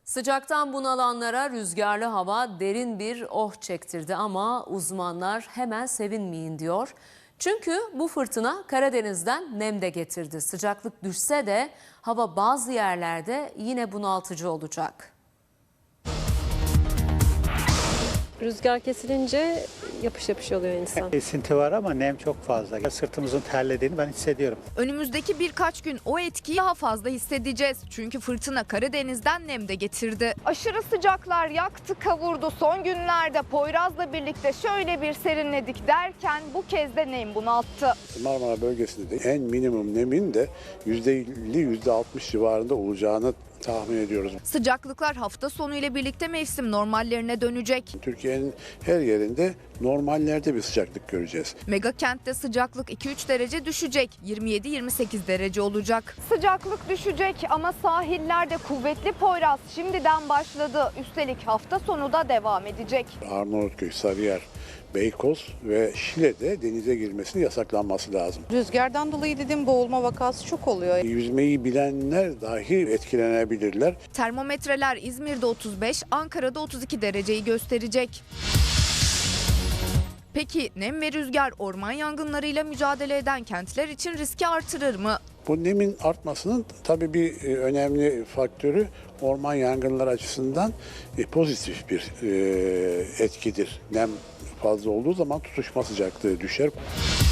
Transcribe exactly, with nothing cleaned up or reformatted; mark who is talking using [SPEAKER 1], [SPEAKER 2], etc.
[SPEAKER 1] Sıcaktan bunalanlara rüzgarlı hava derin bir oh çektirdi ama uzmanlar hemen sevinmeyin diyor. Çünkü bu fırtına Karadeniz'den nem de getirdi. Sıcaklık düşse de hava bazı yerlerde yine bunaltıcı olacak.
[SPEAKER 2] Rüzgar kesilince yapış yapış oluyor insan.
[SPEAKER 3] Esinti var ama nem çok fazla. Sırtımızın terlediğini ben hissediyorum.
[SPEAKER 4] Önümüzdeki birkaç gün o etkiyi daha fazla hissedeceğiz. Çünkü fırtına Karadeniz'den nem de getirdi. Aşırı sıcaklar yaktı kavurdu. Son günlerde Poyraz'la birlikte şöyle bir serinledik derken bu kez de nem bunalttı.
[SPEAKER 5] Marmara bölgesinde de en minimum nemin de yüzde elli yüzde altmış civarında olacağını tahmin ediyoruz.
[SPEAKER 4] Sıcaklıklar hafta sonu ile birlikte mevsim normallerine dönecek.
[SPEAKER 5] Türkiye'nin her yerinde normallerde bir sıcaklık göreceğiz.
[SPEAKER 4] Mega kentte sıcaklık iki üç derece düşecek. yirmi yedi yirmi sekiz derece olacak. Sıcaklık düşecek ama sahillerde kuvvetli Poyraz şimdiden başladı. Üstelik hafta sonu da devam edecek.
[SPEAKER 5] Arnavutköy, Sarıyer, Beykoz ve Şile'de denize girmesinin yasaklanması lazım.
[SPEAKER 6] Rüzgardan dolayı dedim boğulma vakası çok oluyor.
[SPEAKER 5] Yüzmeyi bilenler dahi etkilenebilirler.
[SPEAKER 4] Termometreler İzmir'de otuz beş, Ankara'da otuz iki dereceyi gösterecek. Peki nem ve rüzgar orman yangınlarıyla mücadele eden kentler için riski artırır mı?
[SPEAKER 5] Bu nemin artmasının tabii bir e, önemli faktörü orman yangınları açısından e, pozitif bir e, etkidir. Nem fazla olduğu zaman tutuşma sıcaklığı düşer.